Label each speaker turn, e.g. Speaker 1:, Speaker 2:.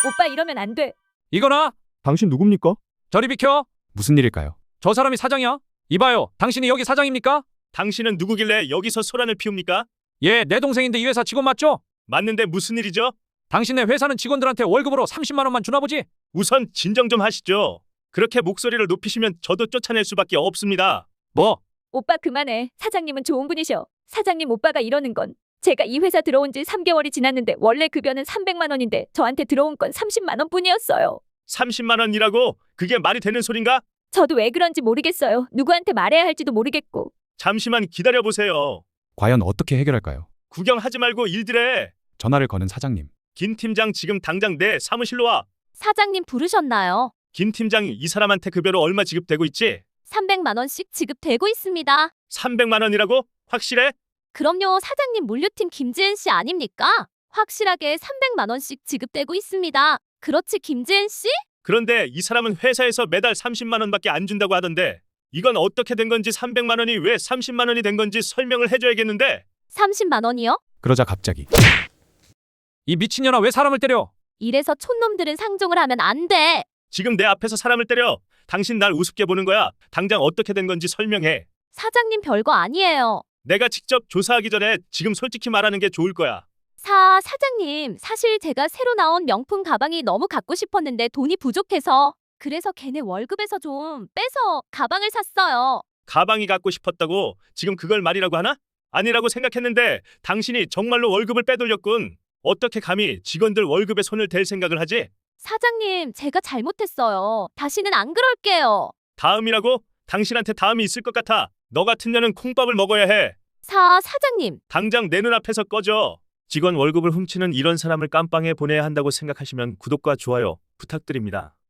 Speaker 1: 오빠 이러면 안 돼.
Speaker 2: 이거나
Speaker 3: 당신 누굽니까?
Speaker 2: 저리 비켜.
Speaker 3: 무슨 일일까요?
Speaker 2: 저 사람이 사장이야? 이봐요. 당신이 여기 사장입니까?
Speaker 4: 당신은 누구길래 여기서 소란을 피웁니까?
Speaker 2: 예, 내 동생인데 이 회사 직원 맞죠?
Speaker 4: 맞는데 무슨 일이죠?
Speaker 2: 당신네 회사는 직원들한테 월급으로 30만 원만 주나 보지?
Speaker 4: 우선 진정 좀 하시죠. 그렇게 목소리를 높이시면 저도 쫓아낼 수밖에 없습니다.
Speaker 2: 뭐?
Speaker 1: 오빠 그만해. 사장님은 좋은 분이셔. 사장님 오빠가 이러는 건 제가 이 회사 들어온 지 3개월이 지났는데 원래 급여는 300만 원인데 저한테 들어온 건 30만 원뿐이었어요.
Speaker 4: 30만 원이라고? 그게 말이 되는 소린가?
Speaker 1: 저도 왜 그런지 모르겠어요. 누구한테 말해야 할지도 모르겠고.
Speaker 4: 잠시만 기다려보세요.
Speaker 3: 과연 어떻게 해결할까요?
Speaker 4: 구경하지 말고 일들해.
Speaker 3: 전화를 거는 사장님.
Speaker 4: 김 팀장 지금 당장 내 사무실로 와.
Speaker 1: 사장님 부르셨나요?
Speaker 4: 김 팀장이 이 사람한테 급여로 얼마 지급되고 있지?
Speaker 1: 300만 원씩 지급되고 있습니다.
Speaker 4: 300만 원이라고? 확실해?
Speaker 1: 그럼요. 사장님 물류팀 김지은 씨 아닙니까? 확실하게 300만 원씩 지급되고 있습니다. 그렇지 김지은 씨?
Speaker 4: 그런데 이 사람은 회사에서 매달 30만 원밖에 안 준다고 하던데 이건 어떻게 된 건지 300만 원이 왜 30만 원이 된 건지 설명을 해줘야겠는데
Speaker 1: 30만 원이요?
Speaker 3: 그러자 갑자기
Speaker 2: 이 미친년아 왜 사람을 때려?
Speaker 1: 이래서 촌놈들은 상종을 하면 안 돼.
Speaker 4: 지금 내 앞에서 사람을 때려. 당신 날 우습게 보는 거야. 당장 어떻게 된 건지 설명해.
Speaker 1: 사장님 별거 아니에요.
Speaker 4: 내가 직접 조사하기 전에 지금 솔직히 말하는 게 좋을 거야.
Speaker 1: 사장님, 사실 제가 새로 나온 명품 가방이 너무 갖고 싶었는데 돈이 부족해서 그래서 걔네 월급에서 좀 빼서 가방을 샀어요.
Speaker 4: 가방이 갖고 싶었다고 지금 그걸 말이라고 하나? 아니라고 생각했는데 당신이 정말로 월급을 빼돌렸군. 어떻게 감히 직원들 월급에 손을 댈 생각을 하지?
Speaker 1: 사장님, 제가 잘못했어요. 다시는 안 그럴게요.
Speaker 4: 다음이라고? 당신한테 다음이 있을 것 같아. 너 같은 년은 콩밥을 먹어야 해.
Speaker 1: 사장님.
Speaker 4: 당장 내 눈앞에서 꺼져. 직원 월급을 훔치는 이런 사람을 깜빵에 보내야 한다고 생각하시면 구독과 좋아요 부탁드립니다.